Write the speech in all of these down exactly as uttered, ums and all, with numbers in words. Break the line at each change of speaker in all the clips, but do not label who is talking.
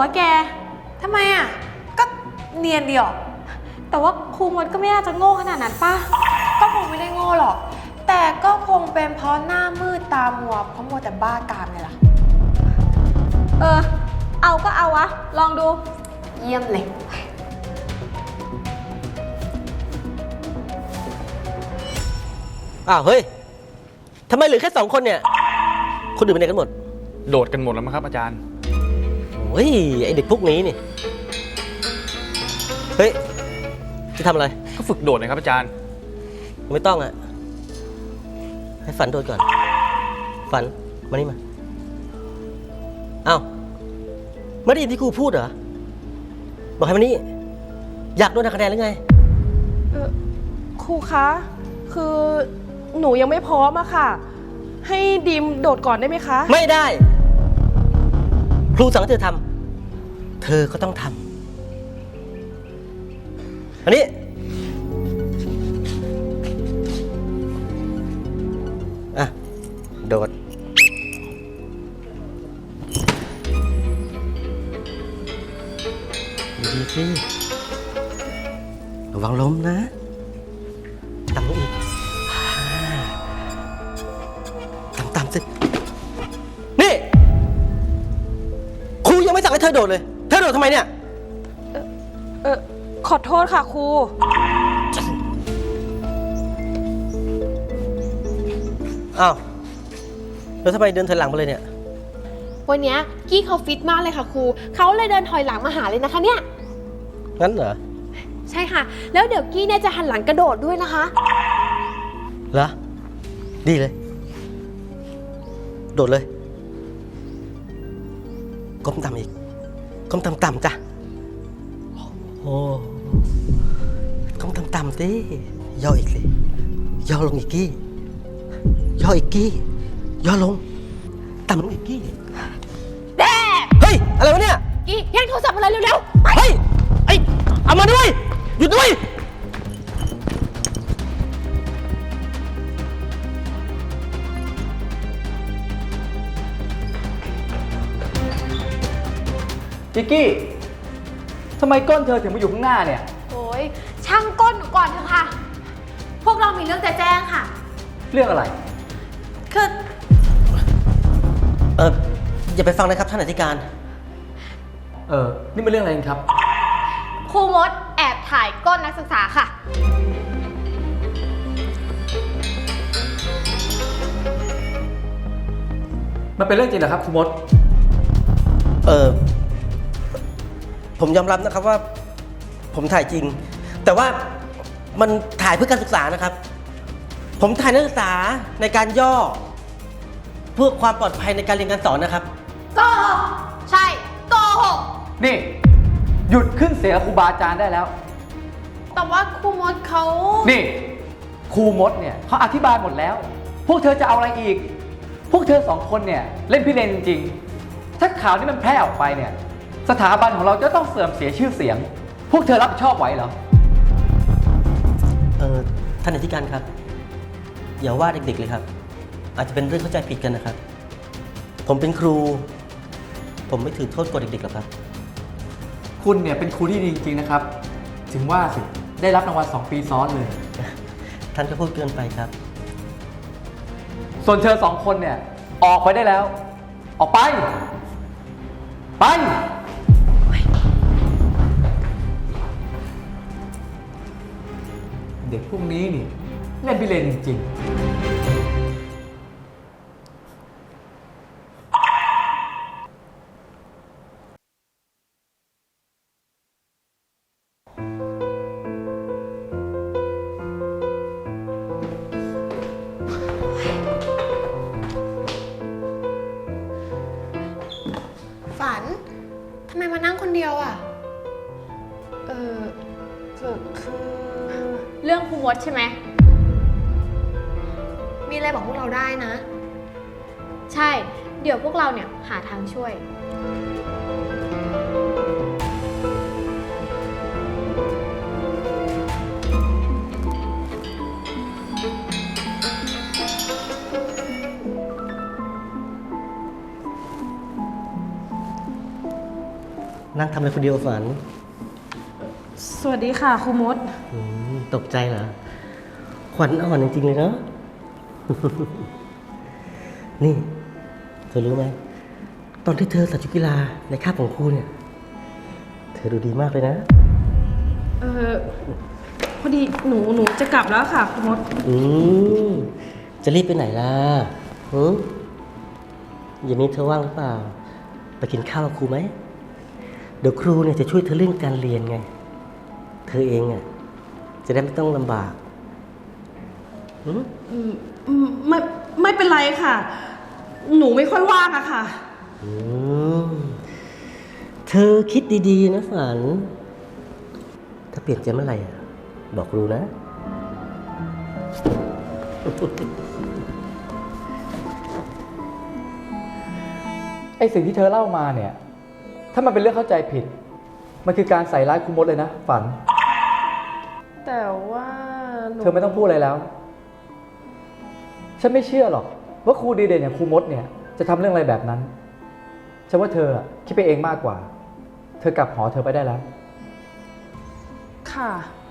วะแกทำไมอ่ะก็เนียนเดียวแต่ว่าครูมดก็ไม่น่าจะโง่ขนาดนั้นป่ะก็คงไม่ได้โง่หรอกแต่ก็คงเป็นเพราะหน้ามืดตามัวเพราะมัวแต่บ้ากามเลยล่ะเออเอาก็เอาวะลองดูเยี่ยมเลย
อ้าวเฮ้ยทำไมเหลือแค่สองคนเนี่ยคนอื่นไปไหนกันหมด
โดดกันหมดแล้วมั้งครับอาจารย์
โอ้ยไอเด็กพวกนี้นี่เฮ้ยจะทำอะไร
ก็ฝึกโดดนะครับอาจารย์
ไม่ต้องอะให้ฝันโดดก่อนฝันมานี่มาอ้าวไม่ได้ยินที่ครูพูดเหรอบอกให้มานี่อยากโดนหักคะแนนหรือไง
เออครูคะคือหนูยังไม่พร้อมอะค่ะให้ดีมโดดก่อนได้ไหมคะ
ไม่ได้ครูสั่งให้เธอทำเธอก็ต้องทำอันนี้อ่ะโดดดีสิระวังล้มนะต่ำลงอีกต่ำๆสินี่ครูยังไม่สั่งให้เธอโดดเลยเธอโดดทำไมเนี่ย
เออเออขอโทษค่ะครู
อ้าวแล้วทำไมเดินถอยหลังมาเลยเนี่ย
วันนี้กี้เขาฟิตมากเลยค่ะครูเขาเลยเดินถอยหลังมาหาเลยนะคะเนี่ย
งั้นเหรอ
ใช่ค่ะแล้วเดี๋ยวกี้เนี่ยจะหันหลังกระโดดด้วยนะคะ
เหรอดีเลยโดดเลยก้มต่ำอีกก้มต่ำๆจ้ะโอ้ก้มต่ำๆสิย่ออีกสิย่อลงอีกกี้ย่ออีกกี้ย่อลงต่ำลงอีกกี้
แด่
เฮ้ยอะไรวะเนี่ย
กี้แย่งโทรศัพท์มาเลยเร็ว
ๆเฮ้ยไอ้เอามาด้วยหยุดด้วย
จิกกี้ทำไมก้นเธอถึงมาอยู่ข้างหน้าเนี่ย
โอ้ยช่างก้นหนูก่อนเถอะค่ะพวกเรามีเรื่องจะแจ้งค่ะ
เรื่องอะไร
คือ
เอออย่าไปฟังนะครับท่านอธิการ
เออนี่เป็นเรื่องอะไรครับ
ครูมดแอบถ่ายก้นนักศึกษาค่ะ
มันเป็นเรื่องจริงเหรอครับครูมด
เออผมยอมรับนะครับว่าผมถ่ายจริงแต่ว่ามันถ่ายเพื่อการศึกษานะครับผมถ่ายนักศึกษาในการย่อเพื่อความปลอดภัยในการเรียนการสอนนะครับ
โกหกใช่โกหก
นี่หยุดขึ้นเสียครูบาอาจารย์ได้แล้ว
แต่ว่าครูมดเขา
นี่ครูมดเนี่ยเขาอธิบายหมดแล้วพวกเธอจะเอาอะไรอีกพวกเธอสองคนเนี่ยเล่นพิเรนจริงๆถ้าข่าวนี้มันแพร่ออกไปเนี่ยสถาบันของเราจะต้องเสื่อมเสียชื่อเสียงพวกเธอรับผิดชอบไหวเหรอ
เออท่านอธิการครับอย่าว่าเด็กๆเลยครับอาจจะเป็นเรื่องเข้าใจผิดกันนะครับผมเป็นครูผมไม่ถือโทษกว่าเด็กๆหรอกครับ
คุณเนี่ยเป็นครูที่ดีจริงๆนะครับถึงว่าสิได้รับรางวัลสองปีซ้อนเลย
ท่านก็พูดเกินไปครับ
ส่วนเธอสองคนเนี่ยออกไปได้แล้วออกไปไปเด็กพวกนี้นี่เล่นพิเรนจริงๆ
ฝันทำไมมานั่งคนเดียวอ่ะ
เออคือคือ
เรื่องครูมดใช่ไหมมีอะไรบอกพวกเราได้นะใช่เดี๋ยวพวกเราเนี่ยหาทางช่วย
นั่งทำอะไรคนเดียวฝัน
สวัสดีค่ะครูมด
อืมตกใจเหรอ ขวัญอ่อนจริงๆเลยเนาะ นี่ เธอรู้ไหม ตอนที่เธอใส่ชุดกีฬาในคาบของครูเนี่ย เธอดูดีมากเลยนะ
เออพอดีหนูหนูจะกลับแล้วค่ะครูมด
อืมจะรีบไปไหนล่ะหืมเย็นนี้เธอว่างหรือเปล่า ไปกินข้าวกับครูไหม เดี๋ยวครูเนี่ยจะช่วยเธอเรื่องการเรียนไง เธอเองอ่ะจะได้ไม่ต้องลำบากหืม
อืมอืมไม่ไม่เป็นไรค่ะ หนูไม่ค่อยว่างอะค่ะ
อืมเธอคิดดีๆนะฝัน ถ้าเปลี่ยนใจเมื่อไหร่อ่ะ บอกครูนะ
ไอสิ่งที่เธอเล่ามาเนี่ย ถ้ามันเป็นเรื่องเข้าใจผิด มันคือการใส่ร้ายครูมดเลยนะ ฝัน
แต่ว่าหนู
เธอไม่ต้องพูดอะไรแล้ว ฉันไม่เชื่อหรอก ว่าครูดีเด่นอย่างครูมดเนี่ยจะทำเรื่องอะไรแบบนั้น ฉันว่าเธออะคิดไปเองมากกว่า เธอกลับหอเธอไปได้แล้ว
ค่ะ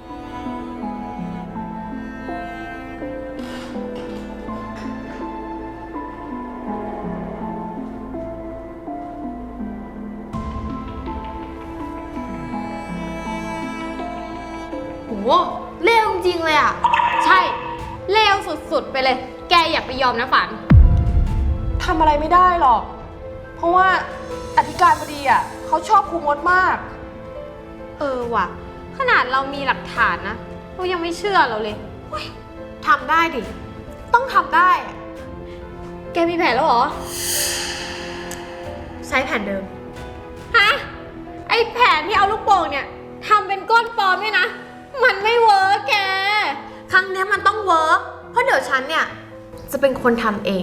โหเลวจริงๆเลยอ่ะ ใช่ เลวสุดๆไปเลย แกอย่าไปยอมนะฝัน
ทำอะไรไม่ได้หรอก เพราะว่าอธิการบดีอ่ะเขาชอบครูมดมาก
เออว่ะ ขนาดเรามีหลักฐานนะเรายังไม่เชื่อเราเลยเฮ้ยทำได้ดิ ต้องทำได้อะแกมีแผนแล้วเหรอ ใช้แผนเดิม ฮะ ไอแผนที่เอาลูกโป่งเนี่ยทำเป็นก้นปลอมเนี่ยนะ มันไม่เวิร์กแก ครั้งเนี้ยมันต้องเวิร์กเพราะเดี๋ยวฉันเนี่ย จะเป็นคนทำเอง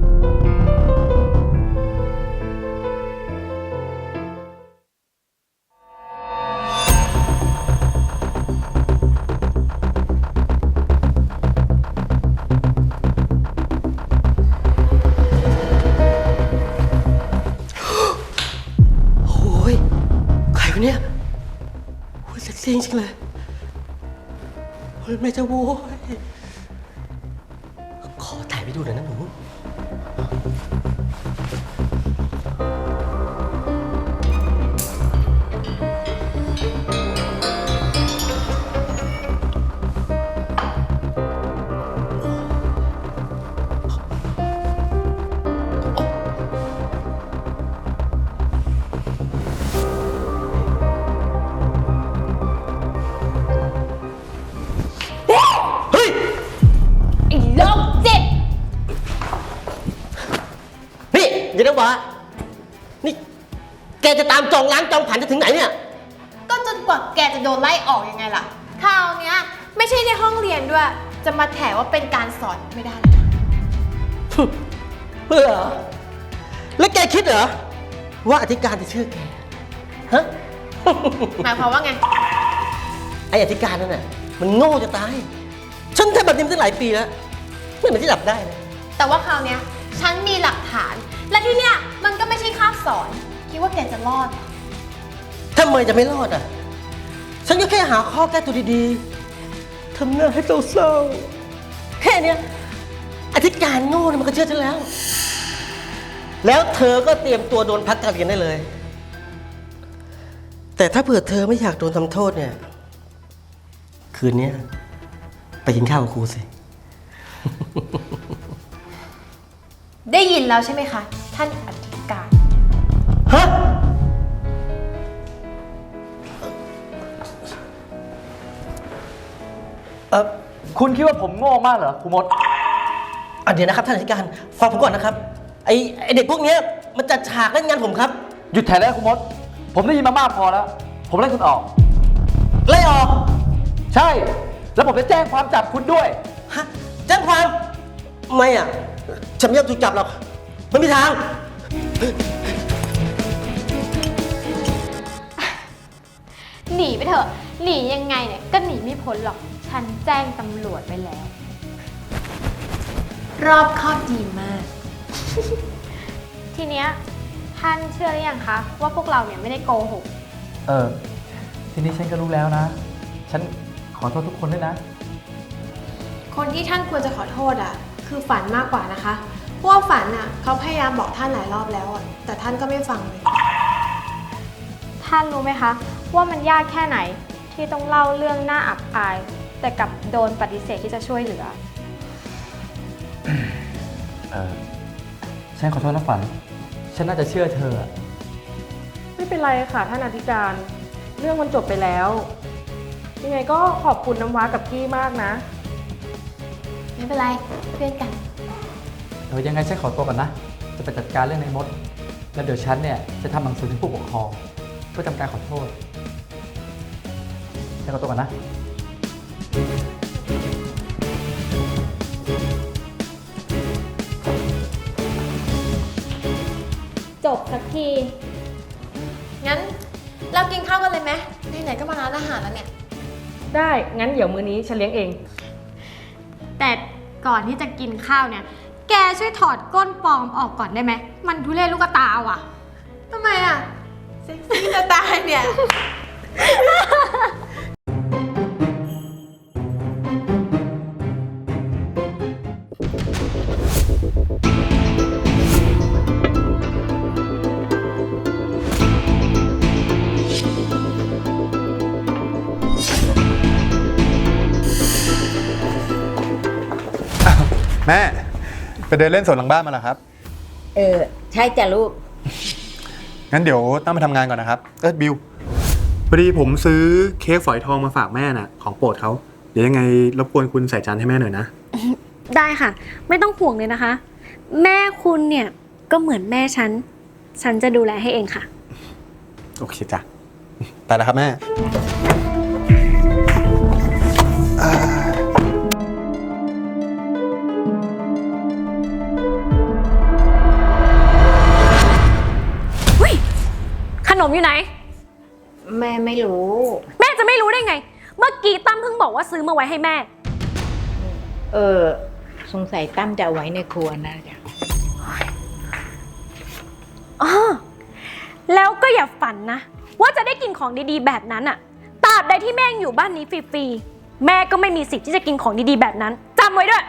โอ้ยใครวะเนี่ยโอ้ยเซ็กซี่จริงๆเลยโอ้ยแม่เจ้าโว้ยขอถ่ายไปดูหน่อยนะหนู เฮ้ย
ไอ้โรคจิต
นี่ยายน้ำว้านี่ แกจะตามจองล้างจองผ่านจะถึงไหนเนี่ย
ก็จนกว่าแกจะโดนไล่ออกยังไงล่ะ คราวเนี้ยไม่ใช่ในห้องเรียนด้วย จะมาแถว่าเป็นการสอนไม่ได้เลยนะ
เพื่อเหรอ แล้วแกคิดเหรอ ว่าอธิการจะเชื่อแก ฮะ
หมายความว่าไง
ไออธิการนั่นน่ะ มันโง่จะตาย ฉันทำแบบนี้มาตั้งหลายปีแล้ว ไม่เหมือนที่หลับได้เลย
แต่ว่าคราวเนี้ยฉันมีหลักฐาน และที่เนี้ยมันก็ไม่ใช่คาบสอน คิดว่าแกจะรอดเหรอ
ทำไมจะไม่รอดอ่ะ ฉันก็แค่หาข้อแก้ตัวดีๆ ทำหน้าให้เศร้าๆ แค่เนี้ยอธิการโง่เนี่ยมันก็เชื่อฉันแล้ว แล้วเธอก็เตรียมตัวโดนพักการเรียนได้เลย แต่ถ้าเผื่อเธอไม่อยากโดนทำโทษเนี่ย คืนนี้ไปกินข้าวกับครูสิ
ได้ยินแล้วใช่ไหมคะ ท่านอธิการ
ฮะ เออ
คุณคิดว่าผมโง่มากเหรอครูมด
อ่ะเดี๋ยวนะครับท่านอธิการฟังผมก่อนนะครับ ไอไอเด็กพวกเนี้ยมันจัดฉากเล่นงานผมครับ
หยุดแถได้ครูมด ผมได้ยินมามากพอแล้ว ผมไล่คุณออก
ไล่ออก
ใช่ แล้วผมจะแจ้งความจับคุณด้วย
ฮะแจ้งความ ไม่อ่ะ ฉันไม่ยอมถูกจับหรอกไม่มีทาง
หนีไปเถอะ หนียังไงเนี่ยก็หนีไม่พ้นหรอก ฉันแจ้งตำรวจไปแล้ว รอบคอบดีมาก ทีเนี้ยท่านเชื่อหรือยังคะว่าพวกเราเนี่ยไม่ได้โกหก
เออทีนี้ฉันก็รู้แล้วนะ ฉันขอโทษทุกคนด้วยนะ
คนที่ท่านควรจะขอโทษอ่ะ คือฝันมากกว่านะคะ เพราะว่าฝันอ่ะเขาพยายามบอกท่านหลายรอบแล้วอ่ะ แต่ท่านก็ไม่ฟังเลย
ท่านรู้ไหมคะ ว่ามันยากแค่ไหนที่ต้องเล่าเรื่องน่าอับอาย แต่กลับโดนปฏิเสธที่จะช่วยเหลือ
เออฉันขอโทษนะฝัน ฉันน่าจะเชื่อเธออะ
ไม่เป็นไรค่ะท่านอธิการ เรื่องมันจบไปแล้ว ยังไงก็ขอบคุณน้ำว้ากับกี้มากนะ
ไม่เป็นไรเพื่อนกัน
เออยังไงฉันขอตัวก่อนนะ จะไปจัดการเรื่องในมด แล้วเดี๋ยวฉันเนี่ยจะทำหนังสือถึงผู้ปกครองเพื่อทำการขอโทษฉันขอตัวก่อนนะ
จบสักที
งั้นเรากินข้าวกันเลยไหมไหนๆก็มาร้านอาหารแล้วเนี่ย
ได้ งั้นเดี๋ยวมื้อนี้ฉันเลี้ยงเอง
แต่ก่อนที่จะกินข้าวเนี่ย แกช่วยถอดก้นปลอมออกก่อนได้ไหม มันทุเรศลูกตาว่ะ
ทำไมอ่ะ เซ็กซี่จะตายเนี่ย
แม่ไปเดินเล่นสวนหลังบ้านมาเหรอครับ
เออ ใช่จ้ะลูก
งั้นเดี๋ยวต้องไปทำงานก่อนนะครับเออบิวพอดีผมซื้อเค้กฝอยทองมาฝากแม่น่ะของโปรดเขาเดี๋ยวยังไงรบกวนคุณใส่จานให้แม่หน่อยนะ
ได้ค่ะ ไม่ต้องห่วงเลยนะคะ แม่คุณเนี่ยก็เหมือนแม่ฉัน ฉันจะดูแลให้เองค่ะ
โอเคจ้ะไปแล้วครับแม่
ขนมอยู่ไหน
แม่ไม่รู้
แม่จะไม่รู้ได้ไง เมื่อกี้ตั้มเพิ่งบอกว่าซื้อมาไว้ให้แม่
เออ สงสัยตั้มจะเอาไว้ในครัวนะจ๊ะ
อ๋อ แล้วก็อย่าฝันนะ ว่าจะได้กินของดีๆแบบนั้นอะตราบใดที่แม่ยังอยู่บ้านนี้ฟรีๆ แม่ก็ไม่มีสิทธิ์ที่จะกินของดีๆแบบนั้นจำไว้ด้วย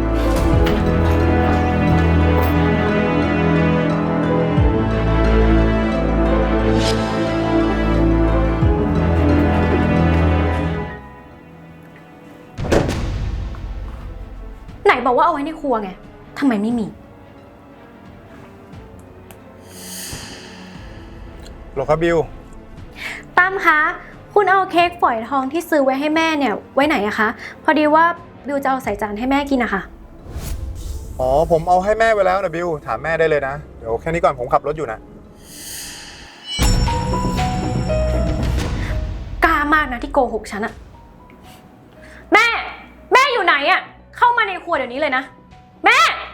ไหนบอกว่าเอาไว้ในครัวไงทำไมไม่มี
โหลครับบิว
ตั้มคะ คุณเอาเค้กฝอยทองที่ซื้อไว้ให้แม่เนี่ยไว้ไหนอะคะ พอดีว่าบิวจะเอาใส่จานให้แม่กินอะค่ะ
อ๋อผมเอาให้แม่ไว้แล้วนะบิวถามแม่ได้เลยนะเดี๋ยวแค่นี้ก่อนผมขับรถอยู่นะ
กล้ามากนะที่โกหกฉันอะแม่ แม่อยู่ไหนอะเข้ามาในครัวเดี๋ยวนี้เลยนะ แม่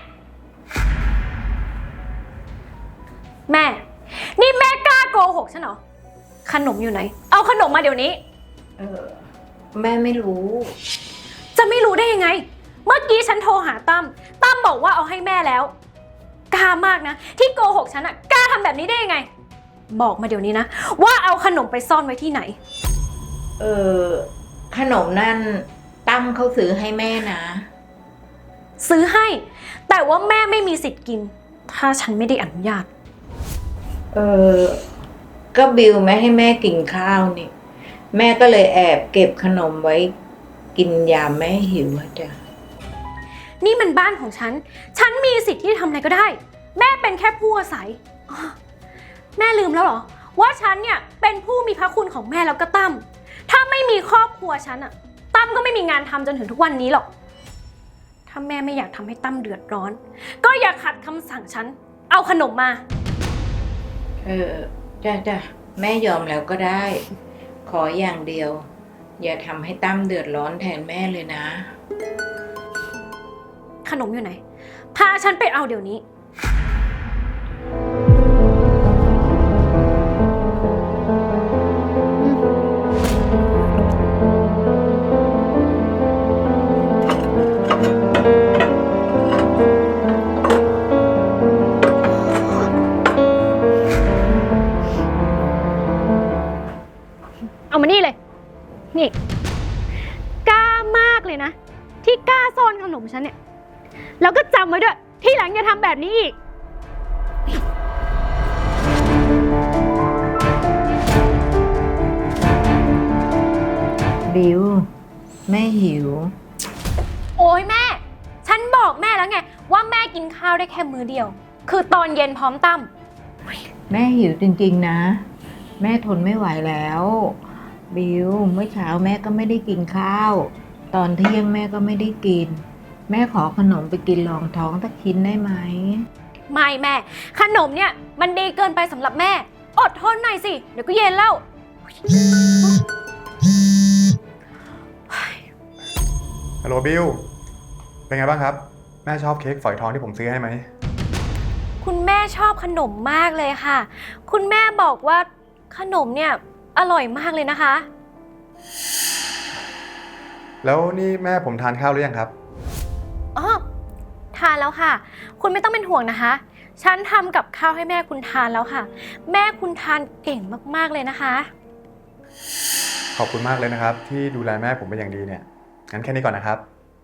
แม่ นี่แม่กล้าโกหกฉันเหรอ ขนมอยู่ไหน เอาขนมมาเดี๋ยวนี้
เออ แม่ไม่รู้
จะไม่รู้ได้ยังไง เมื่อกี้ฉันโทรหาตั้ม ตั้มบอกว่าเอาให้แม่แล้ว กล้ามากนะ ที่โกหกฉันอะกล้าทำแบบนี้ได้ยังไง บอกมาเดี๋ยวนี้นะ ว่าเอาขนมไปซ่อนไว้ที่ไหน
เออ ขนมนั่นตั้มเขาซื้อให้แม่นะ
ซื้อให้ แต่ว่าแม่ไม่มีสิทธิ์กิน ถ้าฉันไม่ได้อนุญาต
เออ ก็บิวไม่ให้แม่กินข้าวนี่ แม่ก็เลยแอบเก็บขนมไว้กินยามแม่หิวอะจ้ะ
นี่มันบ้านของฉัน ฉันมีสิทธิ์ที่จะทำอะไรก็ได้ แม่เป็นแค่ผู้อาศัยอ้อแม่ลืมแล้วเหรอ ว่าฉันเนี่ยเป็นผู้มีพระคุณของแม่แล้วก็ตั้ม ถ้าไม่มีครอบครัวฉันอะตั้มก็ไม่มีงานทำจนถึงทุกวันนี้หรอก ถ้าแม่ไม่อยากทำให้ตั้มเดือดร้อน ก็อย่าขัดคำสั่งฉัน เอาขนมมา
เออ จ้ะจ้ะแม่ยอมแล้วก็ได้ ขออย่างเดียว อย่าทำให้ตั้มเดือดร้อนแทนแม่เลยนะ
ขนมอยู่ไหน พาฉันไปเอาเดี๋ยวนี้เลยนะ ที่กล้าซ่อนขนมฉันเนี่ย แล้วก็จำไว้ด้วย ที่หลังอย่าทำแบบนี้อีก
บิวแม่หิว
โอ้ยแม่ ฉันบอกแม่แล้วไง ว่าแม่กินข้าวได้แค่มื้อเดียว คือตอนเย็นพร้อมตั้ม
แม่หิวจริงๆนะ แม่ทนไม่ไหวแล้ว บิวเมื่อเช้าแม่ก็ไม่ได้กินข้าว ตอนเที่ยงแม่ก็ไม่ได้กิน แม่ขอขนมไปกินรองท้องสักชิ้นได้ไหม
ไม่แม่ ขนมเนี่ยมันดีเกินไปสำหรับแม่ อดทนหน่อยสิ เดี๋ยวก็เย็นแล้ว
ฮัลโหลบิว เป็นไงบ้างครับ แม่ชอบเค้กฝอยทองที่ผมซื้อให้ไหม
คุณแม่ชอบขนมมากเลยค่ะ คุณแม่บอกว่าขนมเนี่ยอร่อยมากเลยนะคะ
แล้วนี่แม่ผมทานข้าวหรือยังครับ
อ๋อ ทานแล้วค่ะ คุณไม่ต้องเป็นห่วงนะคะ ฉันทำกับข้าวให้แม่คุณทานแล้วค่ะ แม่คุณทานเก่งมากๆเลยนะคะ
ขอบคุณมากเลยนะครับ ที่ดูแลแม่ผมเป็นอย่างดีเนี่ย งั้นแค่นี้ก่อนนะครับ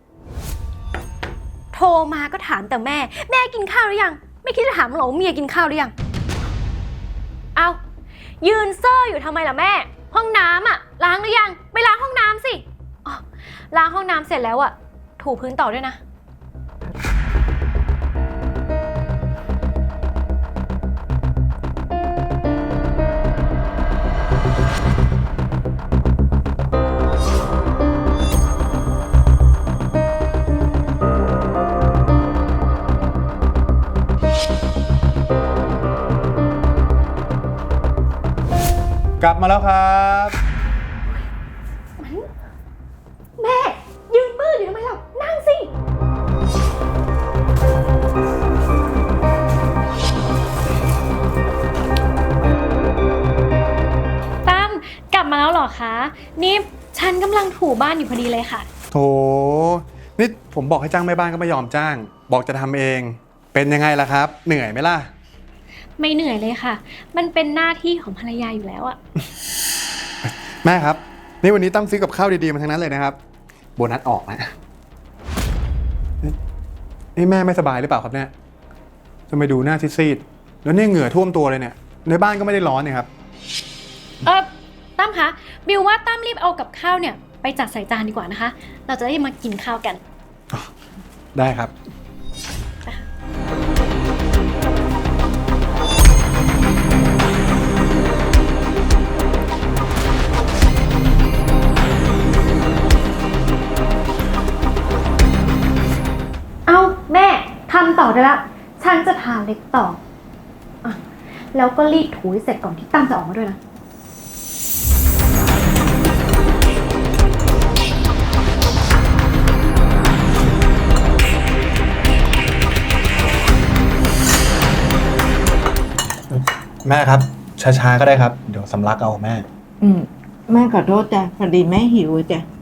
โทรมาก็ถามแต่แม่ แม่กินข้าวหรือยัง ไม่คิดจะถามหรอว่าเมียกินข้าวหรือยัง เอายืนเซ่ออยู่ทำไมล่ะแม่ ห้องน้ำอะล้างหรือยัง ไปล้างห้องน้ำสิอ๋อล้างห้องน้ำเสร็จแล้วอะถูพื้นต่อด้วยนะ
กลับมาแล้วครับ
แม่ยืนมืดอยู่ทำไมล่ะนั่งสิตั้มกลับมาแล้วเหรอคะ นี่ฉันกำลังถูบ้านอยู่พอดีเลยค่ะ
โถ นี่ผมบอกให้จ้างแม่บ้านก็ไม่ยอมจ้าง บอกจะทำเอง เป็นยังไงล่ะครับ เหนื่อยไหมล่ะ
ไม่เหนื่อยเลยค่ะ มันเป็นหน้าที่ของภรรยาอยู่แล้วอะ
แม่ครับ นี่วันนี้ตั้มซื้อกับข้าวดีๆมาทั้งนั้นเลยนะครับ โบนัสออกนะนี่นี่แม่ไม่สบายหรือเปล่าครับเนี่ยทำไมดูหน้าซีดๆแล้วเนี่ยเหงื่อท่วมตัวเลยเนี่ย ในบ้านก็ไม่ได้ร้อนเนี่ยครับ
เออตั้มคะ บิวว่าตั้มรีบเอากับข้าวเนี่ยไปจัดใส่จานดีกว่านะคะ เราจะได้มากินข้าวกัน
ได้ครับ
เอาแม่ทำต่อได้ละฉันจะทาเล็กต่ออ่ะแล้วก็รีดถูให้เสร็จก่อนที่ตั้มจะออกมาด้วยนะ
แม่ครับ ช้าๆก็ได้ครับ เดี๋ยวสำลักเอาแม่
อืมแม่ขอโทษจ้ะพอดีแม่หิวจ้ะ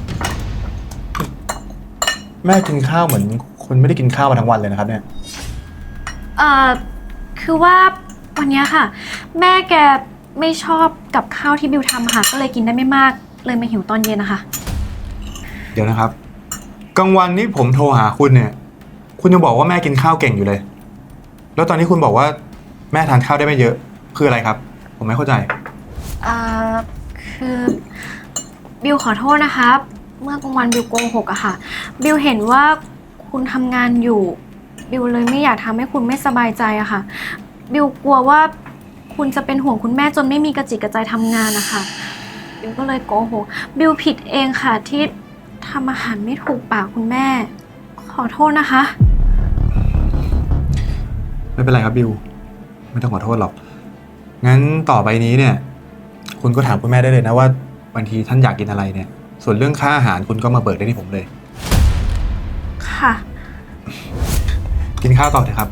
แม่กินข้าวเหมือนคนไม่ได้กินข้าวมาทั้งวันเลยนะครับเนี่ย
เอ่อ คือว่าวันนี้ค่ะ แม่แกไม่ชอบกับข้าวที่บิวทำค่ะ ก็เลยกินได้ไม่มาก เลยมาหิวตอนเย็นนะคะ
เดี๋ยวนะครับ กลางวันนี้ผมโทรหาคุณเนี่ย คุณยังบอกว่าแม่กินข้าวเก่งอยู่เลย แล้วตอนนี้คุณบอกว่าแม่ทานข้าวได้ไม่เยอะ คืออะไรครับ ผมไม่เข้าใจ
เอ่อ คือบิวขอโทษนะคะ เมื่อกลางวันบิวโกหกอะค่ะ บิวเห็นว่าคุณทำงานอยู่ บิวเลยไม่อยากทำให้คุณไม่สบายใจอะค่ะ บิวกลัวว่าคุณจะเป็นห่วงคุณแม่จนไม่มีกระจิตกระใจทำงานนะคะบิวก็เลยโกหก บิวผิดเองค่ะที่ทำอาหารไม่ถูกปากคุณแม่ ขอโทษนะคะ
ไม่เป็นไรครับบิว ไม่ต้องขอโทษหรอก งั้นต่อไปนี้เนี่ย คุณก็ถามคุณแม่ได้เลยนะว่าบางทีท่านอยากกินอะไรเนี่ย ส่วนเรื่องค่าอาหารคุณก็มาเบิกได้ที่ผมเลย
ค่ะ
กินข้าวต่อเถอะครับ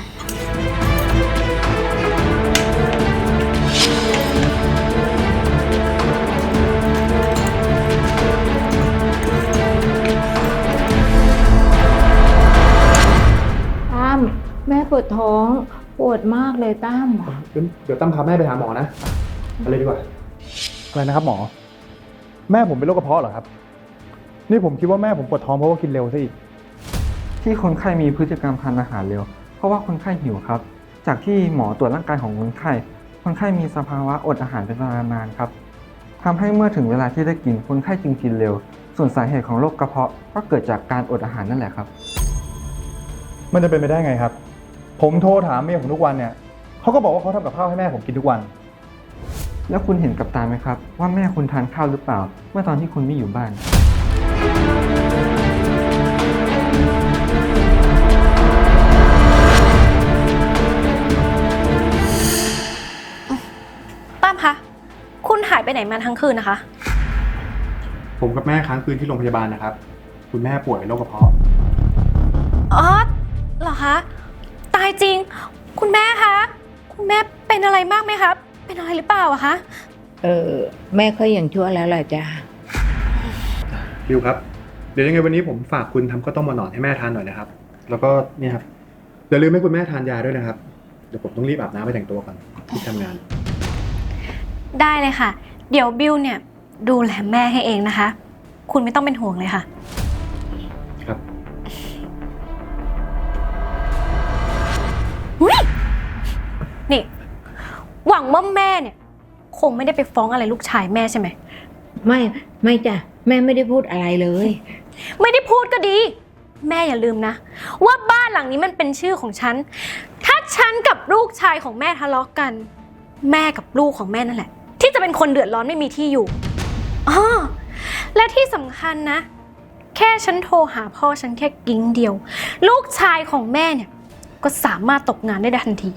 ตั้มแม่ปวดท้องปวดมากเลยตั้ม
เดี๋ยวตั้มพาแม่ไปหาหมอนะอะไรดีกว่า อะไรนะครับหมอ แม่ผมเป็นโรคกระเพาะเหรอครับนี่ผมคิดว่าแม่ผมปวดท้องเพราะว่ากินเร็วซะอีก
ที่คนไข้มีพฤติกรรมทานอาหารเร็ว เพราะว่าคนไข้หิวครับ จากที่หมอตรวจร่างกายของคนไข้ คนไข้มีสภาวะอดอาหารเป็นเวลานานครับทำให้เมื่อถึงเวลาที่ได้กินคนไข้จึงกินเร็ว ส่วนสาเหตุของโรคกระเพาะก็เกิดจากการอดอาหารนั่นแหละครับ
มันจะเป็นไปได้ไงครับ ผมโทรถามเมียผมทุกวันเนี่ยเขาก็บอกว่าเขาทำกับข้าวให้แม่ผมกินทุกวัน
แล้วคุณเห็นกับตาไหมครับ ว่าแม่คุณทานข้าวหรือเปล่า เมื่อตอนที่คุณไม่อยู่บ้าน
ตั้มคะ คุณหายไปไหนมาทั้งคืนนะคะ
ผมกับแม่ค้างคืนที่โรงพยาบาลนะครับ คุณแม่ป่วยโรคกระเพาะ
อ๋อ เหรอคะ ตายจริง คุณแม่คะ คุณแม่เป็นอะไรมากไหมครับ เป็นอะไรหรือเปล่าอะคะ
เออ แม่ก็ยังชั่วแล้วแหละจ้ะ
บิวครับ เดี๋ยวยังไงวันนี้ผมฝากคุณทำข้าวต้มมาหนอนให้แม่ทานหน่อยนะครับ แล้วก็เนี่ยครับอย่าลืมให้คุณแม่ทานยาด้วยนะครับ เดี๋ยวผมต้องรีบอาบน้ำไปแต่งตัวก่อนที่ทำงาน
ได้เลยค่ะ เดี๋ยวบิวเนี่ยดูแลแม่ให้เองนะคะ คุณไม่ต้องเป็นห่วงเลยค่ะ
ครับ
อุ๊ยนี่ หวังว่าแม่เนี่ยคงไม่ได้ไปฟ้องอะไรลูกชายแม่ใช่ไหม
ไม่ไม่จ้ะแม่ไม่ได้พูดอะไรเลย
ไม่ได้พูดก็ดี แม่อย่าลืมนะ ว่าบ้านหลังนี้มันเป็นชื่อของฉัน ถ้าฉันกับลูกชายของแม่ทะเลาะกัน แม่กับลูกของแม่นั่นแหละ ที่จะเป็นคนเดือดร้อนไม่มีที่อยู่อ๋อและที่สำคัญนะ แค่ฉันโทรหาพ่อฉันแค่กิ้งเดียว ลูกชายของแม่เนี่ยก็สามารถตกงานได้ทันที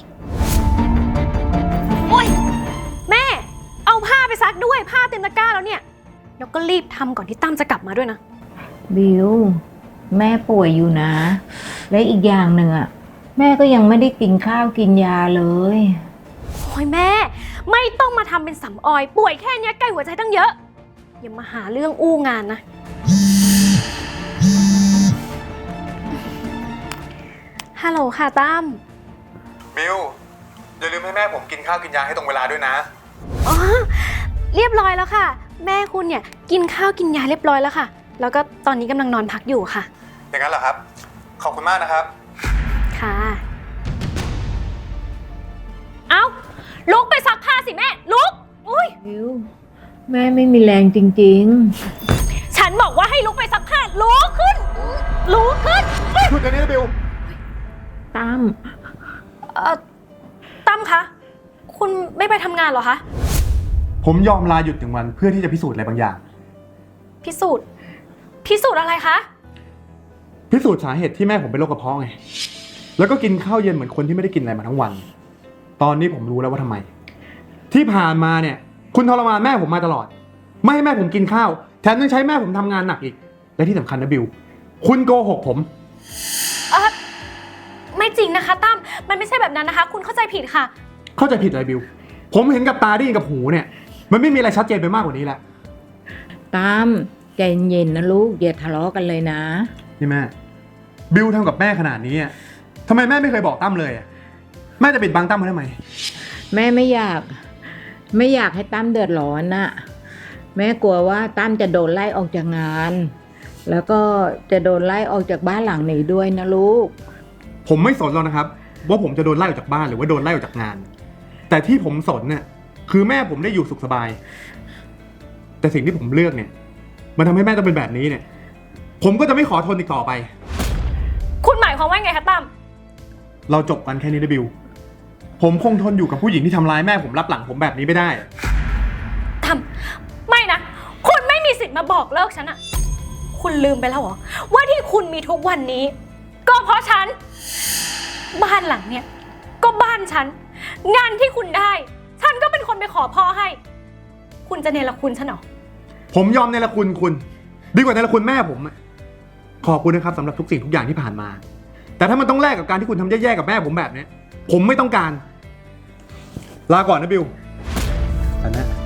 โอ๊ยแม่เอาผ้าไปซักด้วยผ้าเต็มตะกร้าแล้วเนี่ยแล้วก็รีบทำก่อนที่ตั้มจะกลับมาด้วยนะ
บิวแม่ป่วยอยู่นะ และอีกอย่างหนึ่งอ่ะแม่ก็ยังไม่ได้กินข้าวกินยาเลย
โอ้ยแม่ไม่ต้องมาทำเป็นสำออยป่วยแค่เนี้ยใกล้หัวใจตั้งเยอะอย่ามาหาเรื่องอู้งานนะฮัลโหลค่ะตั้ม
บิวอย่าลืมให้แม่ผมกินข้าวกินยาให้ตรงเวลาด้วยนะ
อ๋อเรียบร้อยแล้วค่ะ แม่คุณเนี่ยกินข้าวกินยาเรียบร้อยแล้วค่ะ แล้วก็ตอนนี้กำลังนอนพักอยู่ค่ะ
อย่างนั้นเหรอครับ ขอบคุณมากนะครับ
ค่ะเอาลุกไปซักผ้าสิแม่ลุกอุ้ย
บิวแม่ไม่มีแรงจริง
ฉันบอกว่าให้ลุกไปซักผ้าลุกขึ้นลุกขึ้น
หยุดเดี๋ยวนี้นะบิว
ๆตั้ม
เอ่อตั้มคะ คุณไม่ไปทำงานเหรอคะ
ผมยอมลาหยุดหนึ่งวันเพื่อที่จะพิสูจน์อะไรบางอย่าง
พิสูจน์ พิสูจน์อะไรคะ
พิสูจน์สาเหตุที่แม่ผมเป็นโรคกระเพาะไง แล้วก็กินข้าวเย็นเหมือนคนที่ไม่ได้กินอะไรมาทั้งวัน ตอนนี้ผมรู้แล้วว่าทำไม ที่ผ่านมาเนี่ย คุณทรมานแม่ผมมาตลอด ไม่ให้แม่ผมกินข้าว แถมยังใช้แม่ผมทำงานหนักอีก และที่สำคัญนะบิว คุณโกหกผม
เออไม่จริงนะคะตั้ม มันไม่ใช่แบบนั้นนะคะ คุณเข้าใจผิดค่ะ
เข้าใจผิดอะไรบิว ผมเห็นกับตาได้ยินกับหูเนี่ย มันไม่มีอะไรชัดเจนไปมากกว่านี้แล้ว
ตั้มใจเย็นนะลูกอย่าทะเลาะกันเลยนะ
นี่แม่ บิวทำกับแม่ขนาดนี้อะทำไมแม่ไม่เคยบอกตั้มเลยอะแม่จะปิดบังตั้มไว้ทำไม
แม่ไม่อยาก ไม่อยากให้ตั้มเดือดร้อนน่ะแม่กลัวว่าตั้มจะโดนไล่ออกจากงาน แล้วก็จะโดนไล่ออกจากบ้านหลังนี้ด้วยนะลูก
ผมไม่สนหรอกนะครับ ว่าผมจะโดนไล่ออกจากบ้านหรือว่าโดนไล่ออกจากงาน แต่ที่ผมสนเนี่ยคือแม่ผมได้อยู่สุขสบาย แต่สิ่งที่ผมเลือกเนี่ยมันทำให้แม่ต้องเป็นแบบนี้เนี่ย ผมก็จะไม่ขอทนอีกต่อไป
คุณหมายความว่าไงคะตั้ม
เราจบกันแค่นี้นะบิว ผมคงทนอยู่กับผู้หญิงที่ทำร้ายแม่ผมรับหลังผมแบบนี้ไม่ได้
ตั้ม ไม่นะ คุณไม่มีสิทธิ์มาบอกเลิกฉันอะคุณลืมไปแล้วเหรอ ว่าที่คุณมีทุกวันนี้ ก็เพราะฉัน บ้านหลังเนี่ย ก็บ้านฉัน งานที่คุณได้ ฉันก็เป็นคนไปขอพ่อให้ คุณจะเนรคุณฉันเหรอ
ผมยอมในละคุณคุณดีกว่าในละคุณแม่ผมอะขอบคุณนะครับสำหรับทุกสิ่งทุกอย่างที่ผ่านมา แต่ถ้ามันต้องแลกกับการที่คุณทำแย่ๆกับแม่ผมแบบนี้ผมไม่ต้องการ ลาก่อนนะบิวอันนะ